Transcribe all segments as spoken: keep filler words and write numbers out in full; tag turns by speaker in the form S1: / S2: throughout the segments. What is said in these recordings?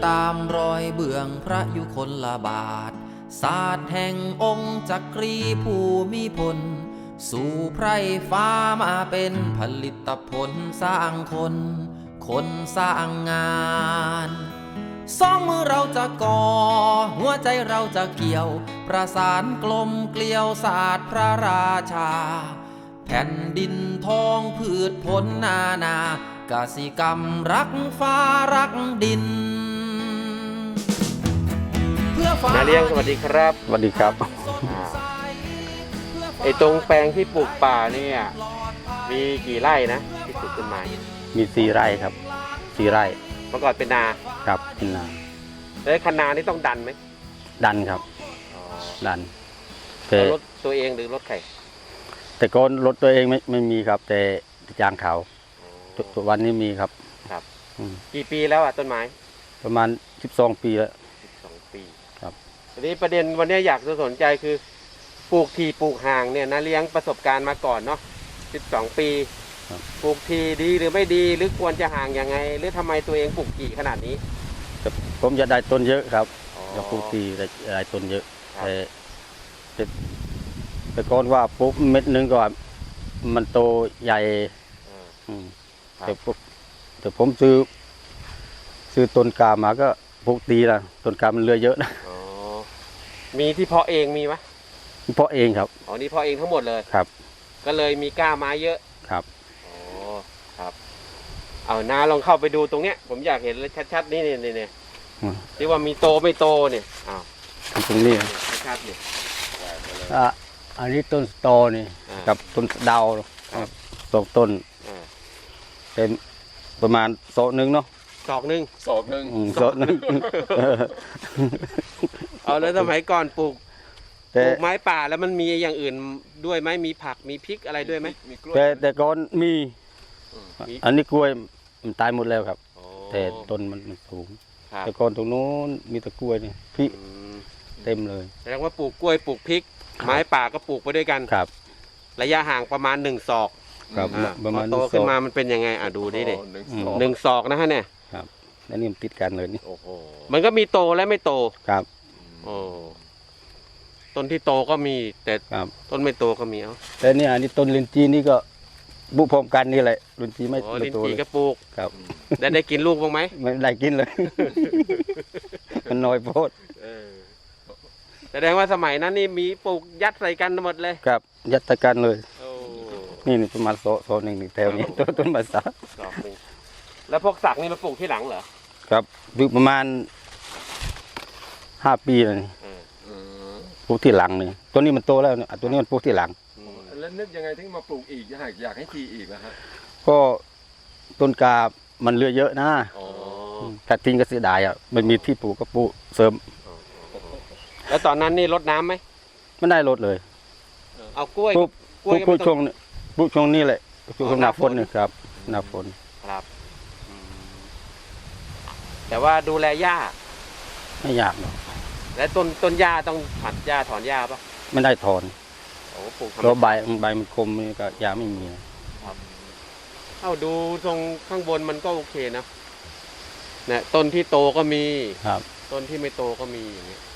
S1: ตามรอยเบื้องพระยุคลบาทศาสตร์แห่งองค์จักรีภูมิพลสู่ไพร่ฟ้ามาเป็นผลิตผลสร้างคน คนสร้างงานสองมือเราจะก่อหัวใจเราจะเกี่ยวประสานกลมเกลียวศาสตร์พระราชาแผ่นดินทองพืชผลนานากสิกรรมรักฟ้ารักดิน
S2: นาเลี้ยงสวัสดีครับ
S3: สวัสดีครับ
S2: ไอ้ตรงแปลงที่ปลูกป่าเนี่ยมีกี่ไร่นะที่ปลูกต้นไม้
S3: มีสี่ไร่ครับสี่ไร่
S2: เมื่อก่อนเป็นนา
S3: ครับเป็นนา
S2: แล้วคันนานี่ต้องดันไหม
S3: ดันครับดัน
S2: แต่รถตัวเองหรือรถใคร
S3: แต่ก่อนรถตัวเองไม่ไม่มีครับแต่จ้างเขาตัววันนี้มีครับ
S2: ครับกี่ปีแล้วอ่ะต้นไม้
S3: ประมาณสิบสองปีแล้ว
S2: สิบสองปี
S3: ครับ
S2: ทีนี้ประเด็นวันนี้อยากจะสนใจคือปลูกทีปลูกห่างเนี่ยนาเลี้ยงประสบการณ์มาก่อนเนาะสิบสองปีปลูกทีดีหรือไม่ดีหรือควรจะห่างยังไงหรือทำไมตัวเองปลูกทีขนาดนี้
S3: ผมจะได้ต้นเยอะครับจะปลูกทีได้ต้นเยอะแต่แต่ก่อนว่าปลูกเม็ดนึงก็มันโตใหญ่แต่แต่ผมซื้อซื้อต้นกามาก็ปลูกตีละต้นกามันเลือเยอะนะ
S2: มีที่เพาะเองมีไหม
S3: เพาะเองครับ
S2: อ๋อนี่เพาะเองทั้งหมดเลย
S3: ครับ
S2: ก็เลยมีก้าไม้เยอะ
S3: ครับ
S2: อ๋อครับเอานาลองเข้าไปดูตรงเนี้ยผมอยากเห็นเลยชัดๆนี่นี่นี่ที่ว่ามีโตไม่โตเนี่ยอ้าว
S3: ตรงนี้
S2: ชัดๆเนี่ย
S3: อ่ะอันนี้ต้นตอนี่กับต้นดาวสองต้นเป็นประมาณศอกหนึ่งเนาะ
S2: ศอกหนึ่ง
S4: ศอกหนึ่ง
S3: ศอกหนึ่ง
S2: เอาแล้วสมัยก่อนปลูกปลูกไม้ป่าแล้วมันมีอย่างอื่นด้วยไหมมีผักมีพริกอะไรด้วยไหม
S3: แต่แต่ก่อนมีอันนี้กล้วยมันตายหมดแล้วครับแต่ต้นมันสูงแต่ก่อนตรงโน้นมีตะกล้วยนี่พริกเต็มเลย
S2: แสดงว่าปลูกกล้วยปลูกพริกไม้ป่าก็ปลูกไปด้วยกัน
S3: ครับ
S2: ระยะห่างประมาณหนึ่งศอก
S3: ครับประมาณ
S2: โตขึ้นมามันเป็นยังไงอ่ะดูดิเด็หนึ่งศอกนะฮะเนี่ย
S3: ครับแล้วนี่มันติดกันเลยนี่
S2: มันก็มีโตและไม่โต
S3: ครับ
S2: โอ้ต้นที่โตก็มีแต่ต้นไม่โตก็มีเอา
S3: แต่นี่อันนี้ต้นลินจีนี่ก็บุกพร้อมกันนี่แหละลินจีไม่
S2: ลินจีก็ปลูก
S3: ครับ
S2: ได้ได้กินลูกบ้างไหม
S3: ไม่ได้กินเลยมันน้อยโพด
S2: แสดงว่าสมัยนั้นนี่มีปลูกยัดใส่กันหมดเลย
S3: ครับยัดใส่กันเลยนี่นี่ประมาณโซโซหนึ่งหนึ่งแถวนี้ต้นต้นมาสัก
S2: แล้วพวกสักนี่มาปลูกที่หลังเหรอ
S3: ครับปลูกประมาณห้าปีเลยปลูกที่หลังนี่ตัวนี้มันโตแล้วเนี่ยตัวนี้มันปลูกที่หลัง
S4: แล้วนึกยังไงถึงมาปลูกอีกอยากอยากให้ทีอีกนะฮะ
S3: ก็ต้นกามันเลือเยอะนะถ้าทิ้งก็เสียดายอ่ะมันมีที่ปลูกก็ปลูกเสริม
S2: แล้วตอนนั้นนี่รดน้ำไหม
S3: ไม่ได้รดเลย
S2: เอากล้วย
S3: กล้วยปลูกช่วงปลูกช่วงนี้แหละช่วงหน้าฝนนี่ครับหน้าฝน
S2: ครับแต่ว่าดูแลหญ้า
S3: ไม่ยากหรอก
S2: และต้นต้นหญ้าต้องผัดหญ้าถอนหญ้าปะ
S3: ไม่ได้ถอน
S2: โอ้ปลูก
S3: แล้วใบใบมันคมนี่ก็หญ้าไม่มี
S2: ครับเอาดูตรงข้างบนมันก็โอเคนะเนี่ยต้นที่โตก็มี
S3: ครับ
S2: ต้นที่ไม่โตก็มีอย่างเงี้ย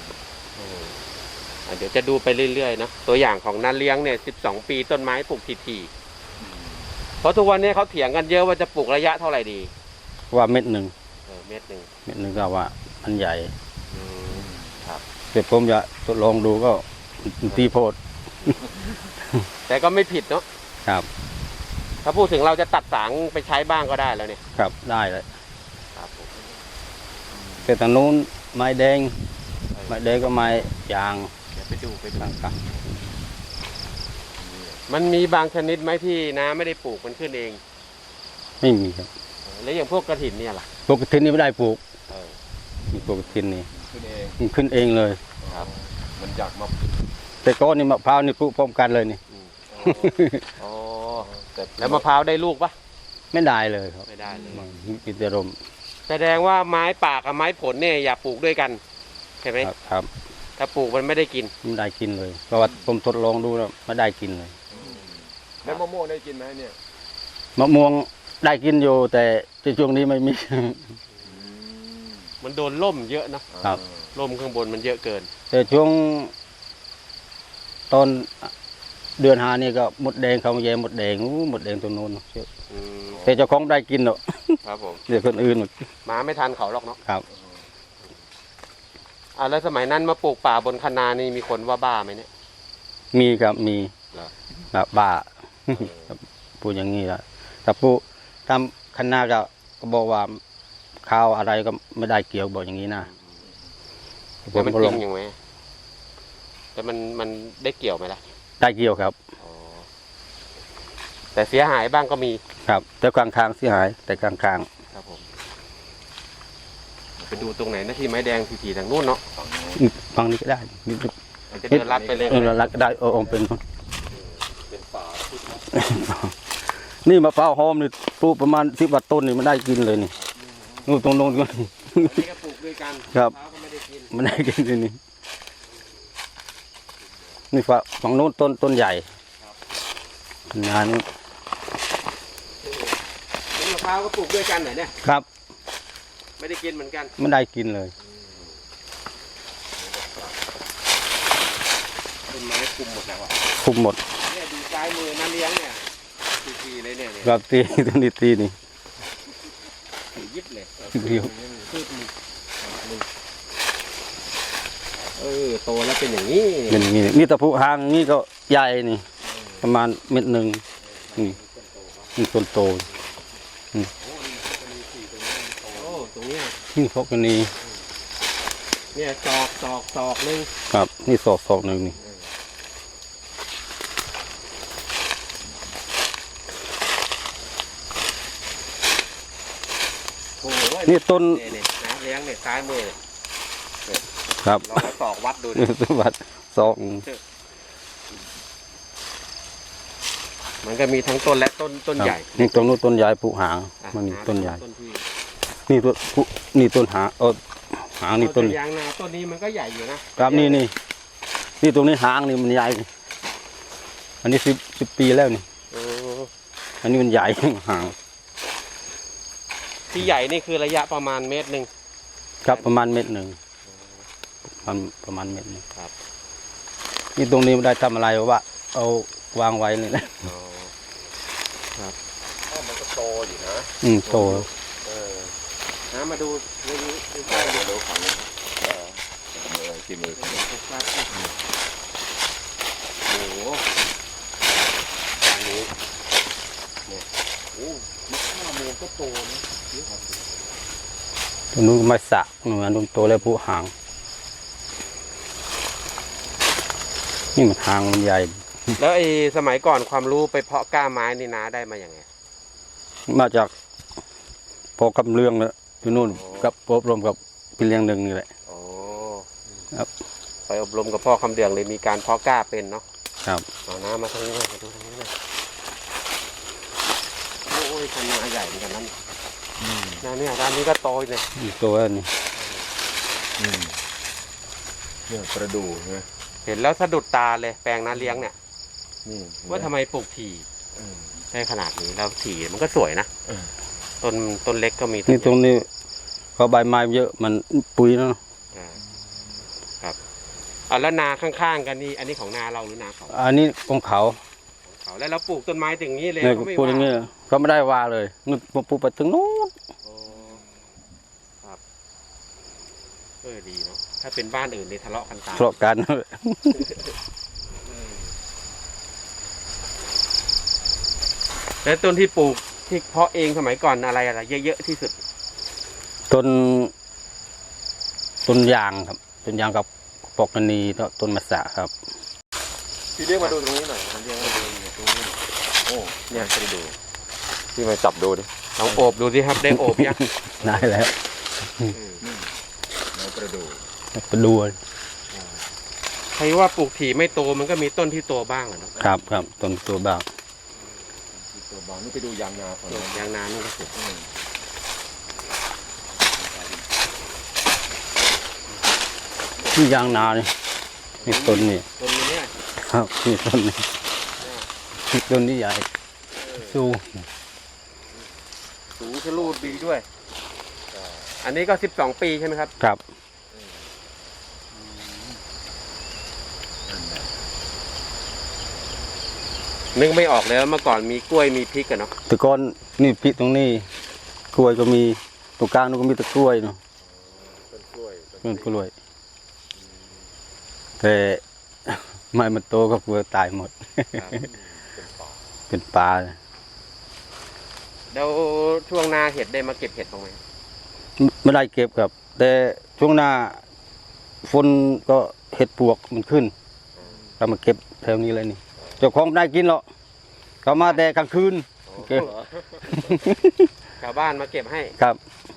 S2: เดี๋ยวจะดูไปเรื่อยๆนะตัวอย่างของนาเลี้ยงเนี่ยสิบสองปีต้นไม้ปลูกทีๆเพราะทุกวันนี้เขาเถียงกันเยอะว่าจะปลูกระยะเท่าไหร่ดี
S3: ว่าเม็ดหนึ่ง
S2: เม็ดหนึ่ง
S3: เม็ดหนึ่งก็ว่าอันใหญ่
S2: ครับ
S3: แต่ผมจะทดลองดูก็ตีโพด
S2: แต่ก็ไม่ผิดเนาะ
S3: ครับ
S2: ถ้าพูดถึงเราจะตัดสางไปใช้บ้างก็ได้แล้วเนี่ย
S3: ครับได้เลยครับแต่ทางนู้นไม้แดงไม้แดงก็ไม้ยาง
S2: เดี๋ยวไปดูไปดูมันมีบางชนิดไหมที่น้าไม่ได้ปลูกมันขึ้นเอง
S3: ไม่มีครับ
S2: แล้วอย่างพวกกระถินเนี่ยล่ะ
S3: พวกกระถินนี่ไม่ได้ปลูกมีพวกกระถินนี่
S4: ขึ้นเอง
S3: ขึ้นเองเลย
S4: ครับมันอยากมา
S3: แต่ก้อนนี่มะพร้าวนี่ปลูกพร้อมกันเลยนี่
S2: อ๋อแล้วมะพร้าวได้ลูกปะ
S3: ไม่ได้เลยครับ
S2: ไม่ได้เลย
S3: มีแต่ลม
S2: แสดงว่าไม้ป่ากับไม้ผลเนี่ยอย่าปลูกด้วยกันใช่ไหม
S3: ครับ
S2: ถ้าปลูกมันไม่ได้กิน
S3: ไม่ได้กินเลยเพราะว่าผมทดลองดูแล้วไม่ได้กินเลย
S4: แล้วมะม่วงได้กินไหมเนี่ย
S3: มะม่วงได้กินอยู่แต่ช่วงนี้ไม่มี
S2: มันโดนล่มเยอะเนาะ
S3: ครับ
S2: ล่มข้างบนมันเยอะเกิน
S3: แต่ช่วงตอนเดือนหานี่ก็หมดแดงเขามาแย่หมดแดงอู้หมดแดงตัวโน้นเยอะ
S2: อืม
S3: แต่เจ้าของได้กินเนาะ
S2: ครับผม
S3: เดี๋ยวคนอื่น
S2: มาไม่ทันเขาหรอกเนาะ
S3: ครับ
S2: อ่าแล้วสมัยนั้นมาปลูกป่าบนคะนานี่มีคนว่าบ้าไหมเนี่ย
S3: มีครับมี
S2: เหรอ
S3: ครับบ้า ครับพูดอย่างนี้ละแต่พูดทำคณะก็ก็บอกว่าข้าวอะไรก็ไม่ได้เกี่ยวบอกอย่างนี้นะ
S2: แต่มัน
S3: ก็
S2: จ
S3: ล
S2: ริ
S3: ง
S2: งอย่างไหมแต่มันมันได้เกี่ยวไหมล่ะ
S3: ได้เกี่ยวครับ
S2: อ๋อแต่เสียหายบ้างก็มี
S3: ครับ แต่กลางทางเสียหาย แต่กลางทาง
S2: ครับผมไปดูตรงไหนนะที่ไม้แดงทีๆทางนู้นเนาะ
S3: ฟังนี้ก็ได้
S2: อาจจะเดินลัดไปเลย
S3: เออรักได้เออเอาเป็น
S4: เป็นป่าพุทธ
S3: นี่มะพร้าวหอมนี่ปลูกประมาณสิบวัตต้นนี่มันได้กินเลยนี่นู่นตรงโน้นก็
S2: นี่ก็ปลูกด้วยกัน
S3: ครับ
S2: มะพาวก็ไม่ได้กิน
S3: มันได้กินเลยนี่นี่ฝั่งฝั่งโน้นต้นต้นใหญ่งานนี้
S2: นี่มะพร้าวก็ปลูกด้วยกันเหรอเนี่ย
S3: ครับ
S2: ไม่ได้กินเหมือนกัน
S3: มันได้กินเลย
S2: ต้นไม้คุมหมดแล้วอ่ะ
S3: คุมหมด
S2: เนี่ยดูซ้ายมือนั่นเลี้ยงเนี่ยทีๆเลยเนี่ยเนี่ย
S3: ครับตีต้นนี้ตีนี่
S2: ถือยิบเลย
S3: เดียว
S2: พืชมีเออโตแล้วเป็นอย่างนี้
S3: เป็นอย่างนี้นี่ตะพุหางนี่ก็ใหญ่นี่ ประมาณเม็ดหนึ่งนี่นี่ต้นโต
S2: โอ้ตรงเนี้ย
S3: นี่พวกนี้
S2: เนี่ยศอกศอกศอกหนึง
S3: ครับ นี่ศอกศอกหนึ่งนี่
S2: โอ้โห
S3: นี่ต้น
S2: เนี่ยเนี่ยนะเลี้ยงเนี่ยซ้ายมือ
S3: ครับ
S2: ลองเอาศอกวัดดูดิ
S3: นี่ต้นวัดศอก
S2: มันก็มีทั้งต้นและต้นต้นใหญ่
S3: นี่ตรงนู้นต้นใหญ่ปุหาง
S2: อ่ะ
S3: มันมี
S2: หา
S3: ต้นใหญ่
S2: ต้นที่
S3: นี่ต้นปุนี่ต้นหางเออหางนี่ต้น
S2: เอาแต่ยางนาต้นนี้มันก็ใหญ่อยู่นะครับ
S3: นี่นี่นี่ตรงนี้หางนี่มันใหญ่ อันนี้สิบสิบปีแล้วนี่
S2: เออ
S3: อันนี้มันใหญ่ หาง
S2: ที่ใหญ่นี่คือระยะประมาณเมตรหนึ่ง
S3: ครับประมาณเม็ดหนึ่งประมาณประมาณเม็ดหนึง
S2: ครับ
S3: นี่ตรงนี้ไม่ได้ทำอะไรวะเอาวางไว้นี่แหละ
S2: อ๋อ
S4: อ้าวมันก็โตอยู่นะ
S3: อืมโต
S2: เออนะมาดูเรื่องนี้ใกล้ๆ
S4: เดี๋
S2: เดี๋
S4: ย
S2: ยว ว
S4: ดูฝั่งนี้เออมือที่มือ
S2: โอ้โหอันนี้เนี่ยโอ้มะข่าโมงก็โตนะเยอะครับ
S3: ตรงนู้นไม่สักหนูอันนู้นโตแล้วปุหาง นี่มันหางมันใหญ่
S2: แล้วไอ้สมัยก่อนความรู้ไปเพาะกล้าไม้นี่นาได้มาอย่างไง
S3: มาจากพอกำเรื่องแล้วที่นู่นกับอบรมกับพี่เลี้ยงหนึ่งนี่แหละ
S2: โอ้
S3: ครับ
S2: ไปอบรมกับพ่อคำเดืองเลยมีการเพาะกล้าเป็นเนาะ
S3: ครับ
S2: เอาน้ำมาทางนี้หน่อยมาดูทางนี้หน่อยโอ้ยคันนาใหญ่เหมือนกันนั่นนาเนี่ยด้านนี้ก็โตเลย
S3: นี่ตัวนี้
S4: อืมเนี่ยประดู่ใช่ไหม
S2: เห็นแล้วสะดุดตาเลยแปลงนาเลี้ยงเนี่ย
S4: นี่
S2: ว่าทำไมปลูกถี่
S4: เออ
S2: ได้ขนาดนี้แล้วถี่มันก็สวยนะ
S4: เออ
S2: ต้นต้นเล็กก็มี
S3: นี่ตรงนี้เขาใบไม้เยอะมันปุ๋ยเนาะ
S2: อ่าครับอ่าแล้วนาข้างๆกันนี่อันนี้ของนาเราหรือนาเขา
S3: อันนี้ของเขา
S2: ของเขาแล้วเราปลูกต้นไม้ถึงนี้เลย
S3: เนี่ย
S2: เขาไม่
S3: พูดอย่าง
S2: ว่า
S3: เงี้ยเขาไม่ได้ว่าเลยนู่นมาปลูกไปถึงนู้น
S2: โอ้ครับเออดีเนาะถ้าเป็นบ้านอื่นนี่ทะเลาะกันตาย
S3: ทะเลาะกัน
S2: แล้วต้นที่ปลูกที่เพาะเองสมัยก่อนอะไรอะไรเยอะๆที่สุด
S3: ต้นต้นยางครับต้นยางกับปอกกนีแล้วต้นมะสะครับ
S4: พี่เรียกมาดูตรงนี้หน่อยพี่เรียกมาดูเนี่ยตรงนี้โอ้เนี่ยไปดูพี่มาจับดูดิ
S2: ลองโอบดูสิครับได้โอบยัง
S3: ได้แล้ว
S4: แล้วประดู่
S3: ไปดู
S2: ใครว่าปลูกถี่ไม่โตมันก็มีต้นที่โตบ้างอะเนาะ
S3: ครับครับต้นตัวบ้าง
S4: ตัวบางนี่ไปดูยางนาฝั่ง
S2: ปลู
S4: นั้
S2: ก
S4: น
S2: ยางนานี่ก็ปลูก
S4: อืม
S3: นี่ยางนาเนี่ยนี่ต้นนี่
S2: ต้นนี้เนี่ย
S3: ครับนี่ต้นนี่นี่ต้นนี้ใหญ่สู้
S2: สูงทะลุดีด้วยอันนี้ก็สิบสองปีใช่ไหมครับ
S3: ครับ
S2: นึกไม่ออกแล้วเมื่อก่อนมีกล้วยมีพริกกันเนาะ
S3: แต่ก่อนนี่พริกตรงนี้กล้วยก็มีตรงกลางนู้นก็มีแต่กล้วยเนาะ
S4: ต้นกล้วย
S3: ต้นกล้วยแต่ ไม่มันโตก็กลัวตายหมด เป็นปลาเลย
S2: แล้วช่วงหน้าเห็ดได้มาเก็บเห็ดบ้างไหม
S3: ไม่ได้เก็บครับ แต่ช่วงหน้าฝนก็เห็ดปวกมันขึ้นเรามาเก็บแถวนี้เลยนี่เจ้าของไม่ได้กินหรอกเขามาแต่กลางคืนเก็บ
S2: ชาวบ้านมาเก็บให้
S3: ครับ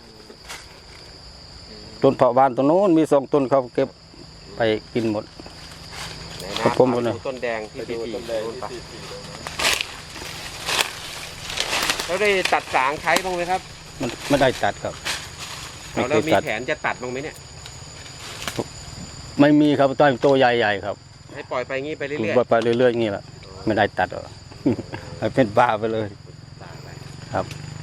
S3: ต้นเผาบ้านต้นโน้นมีสองต้นเขาเก็บไปกินหมด
S2: ไหน
S3: ครั
S2: นะ
S3: บผม
S2: พา
S3: เลย
S2: ดูต้นแดงที่
S4: ไป
S2: ปี
S4: ดู
S2: ปี
S4: ต้นแดง
S2: นู่น
S4: ที่
S2: ปะ
S4: สี่สี่เลยนะ
S2: แล้วได้ตัดสางใช้บ้างไหมครับ
S3: มันไม่ได้ตัดครับไม่
S2: เอา
S3: เค
S2: แล้ว
S3: ย
S2: มี
S3: ตัด
S2: แผนจะตัดบ้างไหมเนี่ย
S3: ไม่มีครับต้นโตใหญ่ๆครับ
S2: ให้ปล่อยไปงี้ไปเรื่
S3: ปลู
S2: อย
S3: กไปเรื่อยๆอย่างนี้แหละไม่ได้ตัดหรอก ให้เป็นบ้าไปเลย
S2: ๆตายไป
S3: ครับ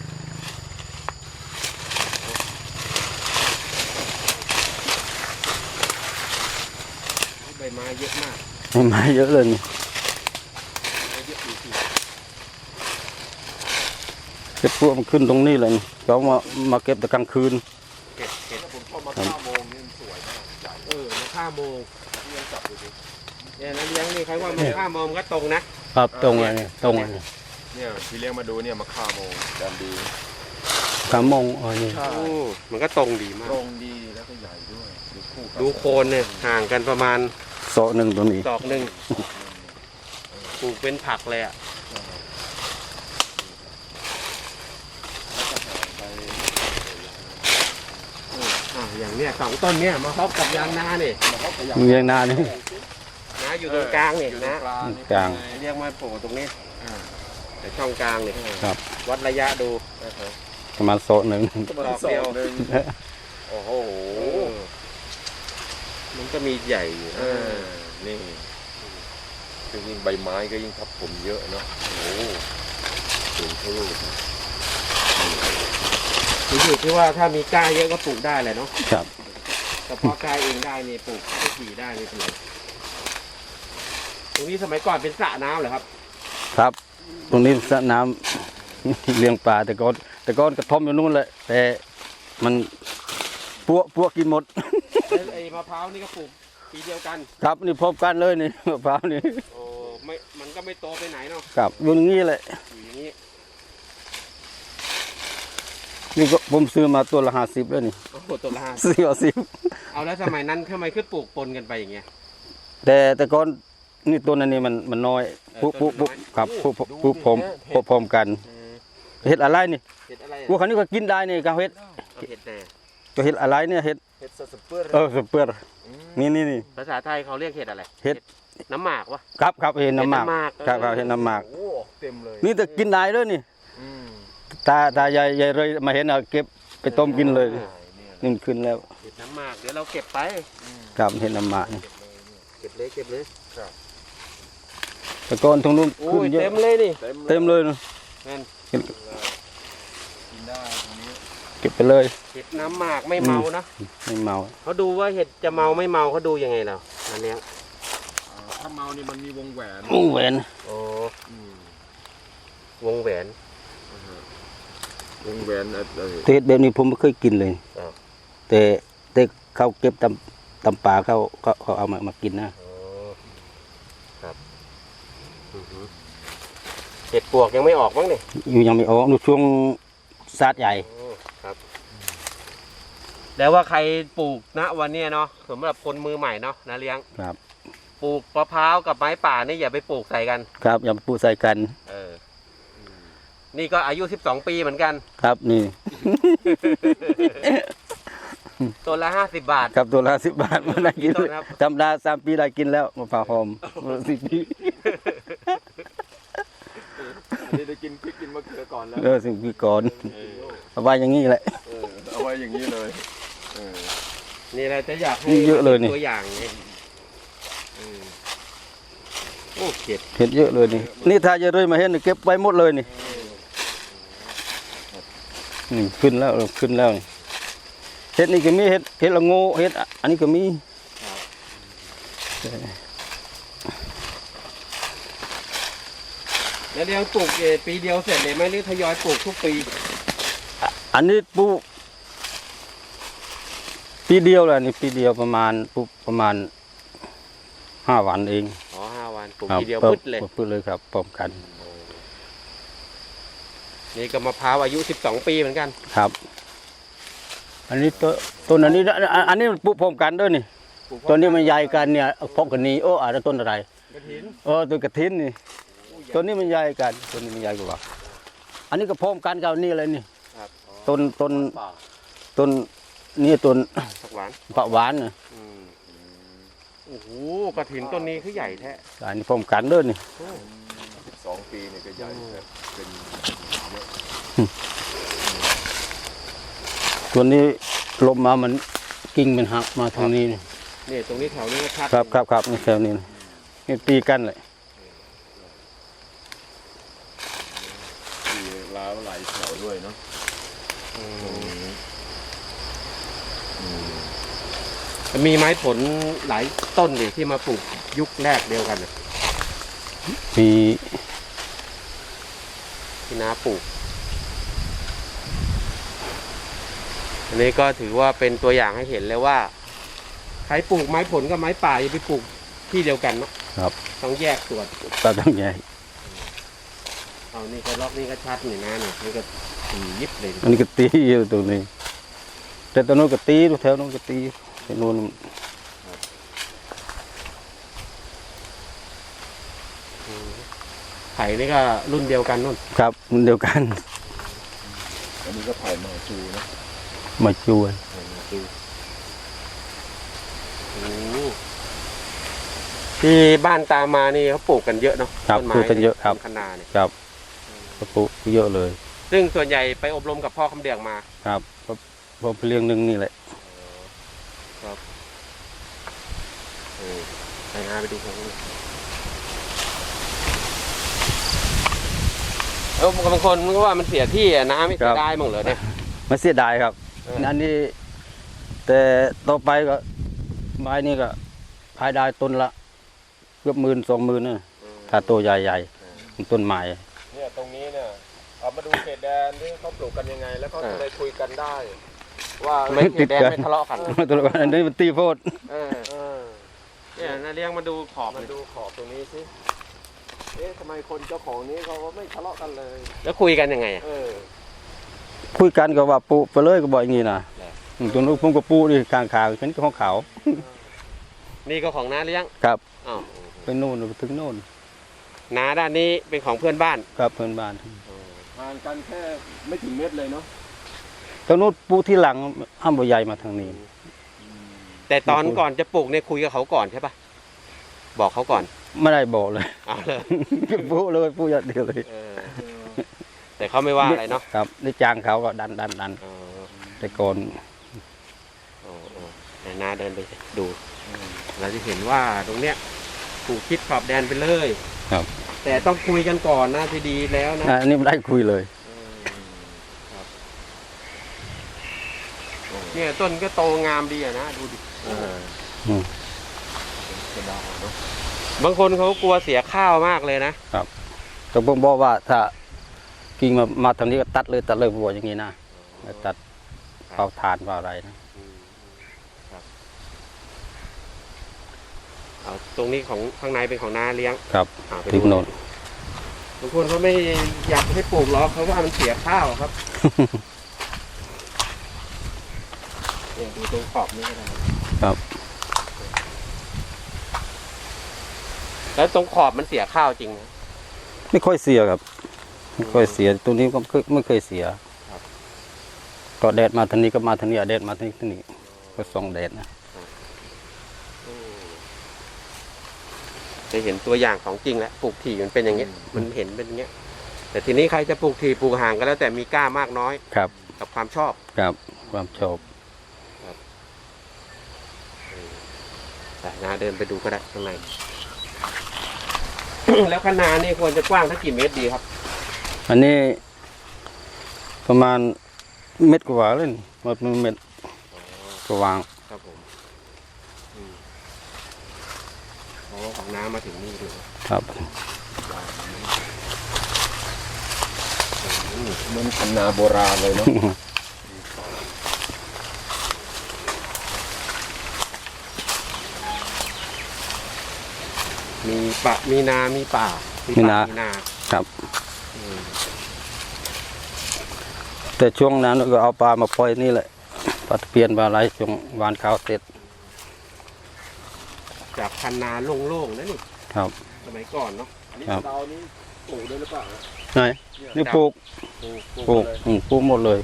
S2: ใบไม้เยอะมาก
S3: ไม่ไม้เยอะเลยนี่
S2: เยอะจริง
S3: เก็บพวกมันขึ้นตรงนี้เลยนี่เขามามาเก็บแต่กลางคืน
S2: ๆเห็ดเห็ด
S4: ถ้าผมเข้ามาห้าโมงนี่มันสวยมากใหญ่
S2: เออมาฆ่าโมง
S4: เลี้ยงจับดูดิ
S2: เนี่ยนะเลี้ยงนี่ใครว่ามาฆ่าโมงก็ตรงนะครับ
S3: ตรงอะไรนี่ตรงอะไรนี่
S4: เนี่ยพี่เลี้ยงมาดูเนี่ยมาฆ่าโมงแดนดี
S3: ขามงอ๋อนี่
S4: ใช่
S2: โอ้มันก็ตรงดีมาก
S4: ตรงดีแล้วก็ใหญ่ด้วยดูคู่กัน
S2: ดูโคนเนี่ยห่างกันประมาณ
S3: โซะหนึ่งตัวนี้
S2: ดอกหนึ่งปลูกเป็นผักเลยอ่ะ
S4: ไป
S2: อ่าอย่างเนี้ยสองต้นเนี้ยมาครอบกับยางนาเนี่ย
S4: มาเขาขยับ
S3: เรียงนานี่
S2: นะอยู่ตรงกลางเนี่ย
S4: อยู่ตร
S2: นะ
S4: งกลางนี่
S3: กลาง
S2: เรียกมาโผล่ตรงนี้
S4: อ่า
S2: แต่ช่องกลางเนี่ย
S3: ครับ
S2: วัดระยะดู
S4: อ่าฮะ
S3: ประมาณโซะหนึ่ง
S4: ประมาณ
S2: ดอก
S4: สอ
S2: เดียว
S4: งหนึ่ง
S2: โอ้โหมันก็มีใหญ่อยู่
S4: เอ
S2: นะ
S4: อนี่คือยิ่งใบไม้ก็ยิ่งทับผมเยอะเนาะโอ้โหสูงเท่าลูก
S2: อยู่ที่ว่าถ้ามีกล้าเยอะก็ปลูกได้แหละเนาะ
S3: ครับ
S2: แต่พอกล้าเองได้นี่ปลูกได้กี่ได้ไม่เป็นไรตรงนี้สมัยก่อนเป็นสระน้ำเหรอครับ
S3: ครับ ตรงนี้สระน้ำ เลี้ยงปลาแต่ก่อนแต่ก่อนกระท่อมอยู่นู่นแหละแต่มันพวกพวกกินหมด
S2: แล้วไอ้มะพร้าวนี่ก็ปลูกปีเดียวกัน
S3: ครับนี่พบกันเลยนี่ มะพร้าวนี่
S2: โอ้ไม่มันก็ไม่โตไปไหนเนาะ
S3: ครับอยู่อย่างนี้แหละ
S2: อยู่อย่างนี้
S3: นี่ก็ผมซื้อมาตัวละห้าสิบแล้วนี่
S2: โอ้โหตัวละห้า
S3: ซื้อเอาสิบ
S2: เอาแล้วสมัยนั้นทำไมขึ้นปลูกปนกันไปอย่างเงี้ย
S3: แต่แต่ก่อนนี่ตัวนั้นนี่มันมันน้อย
S2: เออ
S3: ปุ๊บปุ๊บปุ๊บ
S2: ต้นมันน้อย
S3: ครับปุ๊บปุ๊บปุ๊บพร้อมปุ๊บพร้อมกัน
S2: เออ
S3: เห็ดอะไรนี่
S2: เห็ดอะไร
S3: พวกเขานี่ก็กินได้นี่กาเห็ด
S2: เอาเห็ดแน่
S3: ตัวเห็ดอะไรเนี่ยเห็ด
S4: เห็ดสเปอร์
S3: เออสเปอร์นี่นี่นี่
S2: ภาษาไทยเขาเรียกเห็ดอะไร
S3: เห็ด
S2: น้ำหมากวะ
S3: ครับครับเห็ดน้ำหมาก
S2: เห็ดน้ำหมาก
S3: ครับครับเห็ดน้ำหมาก
S4: โอ้เต็มเลย
S3: นี่แต่กินได้เลยนี่
S4: อืม
S3: ตาตายายยายเลยมาเห็นเอาเก็บไปต้มกินเลย
S4: เนี่ย
S3: นี่มันขึ้นแล้ว
S2: เห็ดน้ำหมากเดี๋ยวเราเก็บไป
S3: ครับเห็ดน้ำหมากนี่
S2: เก็บเลยเก็บเลย
S3: แต่ก่อนตรงนู้น
S2: โอ้
S3: ขึ้
S2: ย
S3: นเยอะ
S2: เต็มเลยนี่
S3: เต็มเลยนะ
S2: แม่น
S3: เก็บ
S4: กินได้ตรงนี้
S3: เก็บไปเลย
S2: เห็ดน้ำหมากไม่เมานะ
S3: ไม่เมา
S2: เขาดูว่าเห็ดจะเมาไม่เมาเขาดูยังไงเราอันเนี้ย
S4: อ่าถ้าเมานี่มันมีวงแหวน
S3: โอ้แหวน
S2: โอ้
S4: อืม
S2: วงแหวน
S4: วงแหวนอะไร
S3: เทศแบบนี้ผมไม่เคยกินเลย
S2: อ้าว
S3: แต่แต่เขาเก็บตำตำป่าเขาเขาเขาเอามามากินนะ
S2: โอ้ครับอือหือเห็ดปวกยังไม่ออกมั้งเนี่ย
S3: อยู่ยังไม่ออกดูช่วงซาดใหญ่
S2: โอ้ครับ แล้วว่าใครปลูกณวันเนี้ยเนาะสำหรับคนมือใหม่เนาะนะเลี้ยง
S3: ครับ
S2: ปลูกมะพร้าวกับไม้ป่านี่อย่าไปปลูกใส่กัน
S3: ครับอย่าไปปูใส่กัน
S2: เอออืมนี่ก็อายุสิบสองปีเหมือนกัน
S3: ครับนี่
S2: ตัวละห้าสิบบาท
S3: ครับตัวละสิบบาทมาได้กิน
S2: ต้นครับ
S3: จำได้สามปีได้กินแล้วมะพร้าวหอมสิบปี
S4: อันนี้ได้กินพริกกินมะเขือก่อนแล้ว
S3: เออสิบปีก่อน
S2: เออ
S3: เอาไว้อย่างนี้แหละ
S4: เออเอาไว้อย่างนี้เลยเออ
S2: นี่เราจะอยากให้
S3: นี่เยอะเลยนี่
S2: ตัวอย่างไงเออโอ้เก็บ
S3: เห็ดเยอะเลยนี่นี่ถ้าจะเลยมาเห็นนี่เก็บไว้หมดเลยนี่นี่ขึ้นแล้วเออขึ้นแล้วนี่เห็ดนี่ก็มีเห็ดเห็ดละโงเห็ดอันนี้ก็มี
S2: แล้วเลี้ยงปลูกเอ่อปีเดียวเสร็จเลยไหมหรือทยอยปลูกทุกปี
S3: อันนี้ปลูกปีเดียวแหละนี่ปีเดียวประมาณปลูกประมาณห้าวันเอง
S2: อ๋อห้าวันปลูก
S3: ครับ
S2: ทีเดียว
S3: พิ่ม
S2: พึดเลย
S3: พึดเลยครับพร้อมกัน
S2: นี่ก็มะพร้าวอายุสิบสองปีเหมือนกัน
S3: ครับ อันนี้ต้นต้นอันนี้อันอันนี้ปลูกพร้อมกันด้วยนี่ต้นนี้มันใหญ่กันเนี่ยพกกันนี้โอ้อาจจะต้นอะไร
S2: กระถิน
S3: เออต้นกระถินนี่ต้นนี้มันใหญ่กันต้นนี้มันใหญ่กว่า อันนี้ก็พร้อมกันกับนี่เลยนี่
S2: ครับอ๋อ
S3: ต้นต้นต้นนี่ต้น
S2: ผักหวาน
S3: ผักหวานน่ะ
S2: อืมโอ้โหกระถินต้นนี้คือใหญ่แท้
S3: อันนี้พร้อมกันด้วยนี่
S4: สิบสองปีเนี่ยก็ใหญ่ครับเป็น
S3: ตัวนี้ลมมามันกิ่งมันหักมาทางนี้นี่
S2: นี่ตรงนี้แถวนี้ก็ชัด
S3: ครับครับครับนี่แถวนี้นี่ตีกันเลย
S4: ปีล้าวไหลแถวด้วยเนาะ
S2: อืมจะมีไม้ผลหลายต้นเลยที่มาปลูกยุคแรกเดียวกันน่ะ
S3: มี
S2: ที่น้าปลูก อันนี้ก็ถือว่าเป็นตัวอย่างให้เห็นเลยว่าใครปลูกไม้ผลกับไม้ป่าอย่าไปปลูกที่เดียวกันนะครับ ต้องแยกส่วน
S3: ตาต้องใหญ่
S2: เอานี่ก็ล็อกนี่ก็ชัดนี่นะนี่นี่ก็ตียิบเลย
S3: อันนี้ก็ตีอยู่ตรงนี้ แต่ตรงโน้นก็ตีแถวโน้นก็ตีแถวโน้น
S2: ไผ่นี่ก็รุ่นเดียวกันนู่น
S3: ครับมันเดียวกัน
S4: อันนี้ก็ไผ่มาจูนะ
S3: มาช่วย
S2: ที่บ้านตามมานี่เขาปลูกกันเยอะเนาะ
S3: ครับ
S2: ต้นไม้
S3: ปลูกกันเยอะครับ
S2: ต้นคะนาเนี่ย
S3: ครับก็ปลูกเยอะเลย
S2: ซึ่งส่วนใหญ่ไปอบรมกับพ่อคำเดืองมา
S3: ครับก็พอเลี้ยงหนึ่งนี่แหละ
S2: เออไปหาไปดูเขาเออบางคนมันก็ว่ามันเสียที่อะนะไม่เสียดายมั้งเหรอเนี่ย
S3: ไม่เสียดายครับ
S2: เออ
S3: อันนี้ แต่ต่อไปก็ไม้นี่ก็ขายได้ต้นละเกือบหมื่นสองหมื่นนะถ้าตัวใหญ่ๆต้นไม้
S4: เนี่ยตรงนี้เนี่ยเอามาดูเขตแดนที่เขาปลูกกันยังไง แล้วเขาจะได้คุยกันได้ ว่า
S2: ไม่เสียแดงไม่ทะเลาะกัน
S3: ตัวละอันนี้มันตีโพด
S2: เออ
S4: เออ
S2: เนี่ยนาเลี้ยงมาดูขอบ
S4: มา
S2: เลย
S4: ดูขอบตรงนี้สิเอ๊ะทำไมคนเจ้าของนี้เขาไม่ทะเลาะกันเลย
S2: แล้วคุยกันยังไงอะ
S4: เออ
S3: คุยกันก็ว่าปูไปเลยก็บอกอย่างนี้นะอืมตัวนู้นผมก็ปูดิกลางขาวเป็นของเขา
S2: นี่ก็ของน้าเลี้ยง
S3: ครับ
S2: อ้าว
S3: ไปโน่นไปถึงโน่น
S2: น้าด้านนี้เป็นของเพื่อนบ้าน
S3: ครับเพื่อนบ้าน
S4: ห่างกันแค่ไม่ถึงเมตรเลยเนาะ
S3: ตรงนู้นปูที่หลังห้ามบ่ใหญ่มาทางนี้
S2: แต่ตอนก่อนจะปลูกเนี่ยคุยกับเขาก่อนใช่ปะบอกเขาก่อน
S3: ไม่ได้บอกเลย
S2: เอาเลย
S3: ปูเลยปูอย่างเดียวเลย
S2: เออแต่เขาไม่ว่าอะไรเนาะ
S3: ครับได้จ้างเขาก็ดันดันดัน
S2: เออ
S3: แต่ก่อน
S2: เออเออแต่น้าเดินไปดู เราจะเห็นว่าตรงเนี้ยปลูกคิดขอบแดนไปเลย
S3: ครับ
S2: แต่ต้องคุยกันก่อนนะที่ดีแล้วนะ
S3: อันนี้ไม่ได้คุยเลย
S2: เนี่ยต้นก็โตงามดีอะนะดูดิ
S4: เออ
S3: อืม
S4: จะได้เนาะ
S2: บางคนเขากลัวเสียข้าวมากเลยนะ
S3: แต่ผมบอกว่าถ้ากิ่งมามาทางนี้ก็ตัดเลยตัดเลยผมบอกอย่างนี้นะไม่ตัดเผาทานเผาอะไรนะ
S2: เอาตรงนี้ของข้างในเป็นของนาเลี้ยง
S3: ครับ
S2: อ่าไป
S3: ถึ
S2: ดู
S3: งโน่น
S2: บางคนเขาไม่อยากให้ปลูกหรอกเขาว่ามันเสียข้าวครับ เนี่ยดูตรงขอบนี่ก็ได้
S3: ครับ
S2: แล้วตรงขอบมันเสียข้าวจริงนะ
S3: ไม่ค่อยเสียครับไม่ค่อยเสียตัวนี้ก็ไม่เคยไม่เคยเสีย
S2: ครับ
S3: ก็แดดมาทางนี้ก็มาทางนี้แดดมาทางนี้ทางนี้ก็ส่องแดดนะ
S2: จะเห็นตัวอย่างของจริงแล้วปลูกถี่มันเป็นอย่างเงี้ยมันเห็นเป็นอย่างเงี้ย แต่ทีนี้ใครจะปลูกถี่ปลูกห่างก็แล้วแต่มีกล้ามากน้อย
S3: ครับ
S2: กับความชอบ
S3: ครับความชอบ
S2: แต่นาเดินไปดูก็ได้ข้างใน แล้วคะนานี่ควรจะกว้างสักกี่เมตรดีครับ
S3: อันนี้ประมาณเม็ดกว่าเลยนี่หมดเม็ดก็วาง
S2: ครับผมอืมโอ้ของน้ำมาถึงนี่เลย
S3: ครับ
S4: เหมือนคันนาโบราณเลยเนาะ
S2: มีปะมีนา มีป่า มี
S3: มี
S2: ป่า
S3: นา
S2: มีนา
S3: ครับ
S2: อืม
S3: แต่ช่วงนั้นก็เอาปลามาปล่อยนี่แหละปลาตะเพียนปลาอะไรช่วงหวานข้าวเสร็จ
S2: จากคันนาโล่งๆนะนี่
S3: ครับ
S2: สมัยก่อนเนาะ
S4: อันนี้
S3: ครับ
S4: เรานี้ปลูกได้หรือเปล่า
S3: ไหนนี่ปลูก
S2: ปลูกปลูก
S3: ปลูก
S2: เลย
S3: อืมปลูกหมดเลย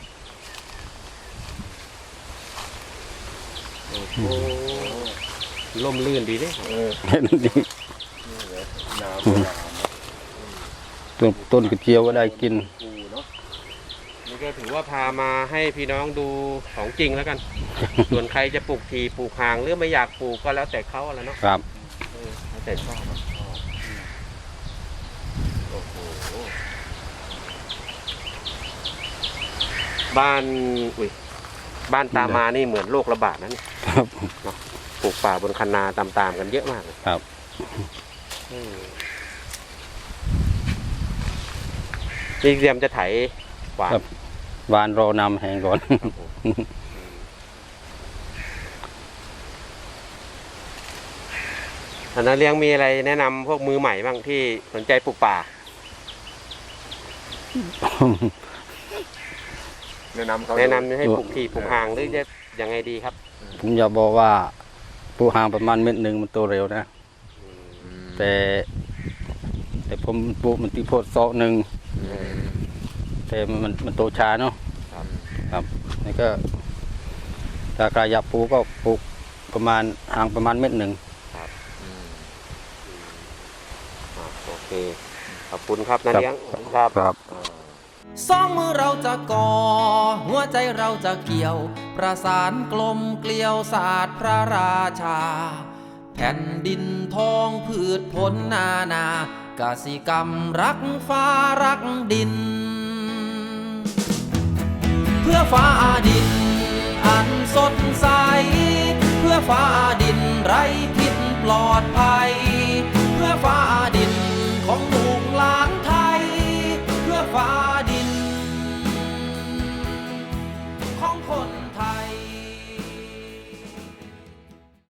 S2: โอ้โหล่มลื่นดีเด้
S4: เออ
S3: เห็นดี
S4: นี่เหรอนาโบราณเนาะ
S3: ต้นต้นกระเจียวก็ได้กิน
S4: ปูเนาะ
S2: นี่ก็ถือว่าพามาให้พี่น้องดูของจริงแล้วกัน ส่วนใครจะปลูกทีปลูกห่างหรือไม่อยากปลูกก็แล้วแต่เขาอะแล้วเนาะ
S3: ครับ
S2: เออแล้วแต่ชอบอะ
S4: โอ้โห
S2: บ้านอุ้ยบ้านตามมานี่เหมือนโรคระบาดนะนี่
S3: ครับ
S2: ปลูกป่าบนคันนาตามๆกันเยอะมากเลย
S3: ครับ
S2: อืมนี่เตรียมจะไถหวาน
S3: ครับ หวานรอนำแห้งก่อน
S2: อันนั้นเลี้ยงมีอะไรแนะนำพวกมือใหม่บ้างที่สนใจปลูกป่า
S4: แนะนำเขา
S2: แนะนำให้ปลูกทีปลูกห่างหรือจะยังไงดีครับ
S3: ผมอยากบอกว่าปลูกห่างประมาณเม็ดหนึ่งมันโตเร็วนะ แต่ แต่ผมปลูกมันตีโพดซอกหนึ่งแต่มันมันมันโตช้าเนาะ
S2: ครับ
S3: ครับนี่ก็ถ้าใครอยากปลูกก็ปลูกประมาณห่างประมาณเม็ดหนึ่ง
S2: อ่ะโอเค ขอบคุณครับนาเลี้ยงครับ
S3: ครับ
S1: สองมือเราจะก่อ หัวใจเราจะเกี่ยว ประสานกลมเกลียวศาสตร์พระราชา แผ่นดินทองพืชผลนานากสิกรรมรักฟ้ารักดิน เพื่อฟ้าดินอันสดใส เพื่อฟ้าดินไร้พิษปลอดภัย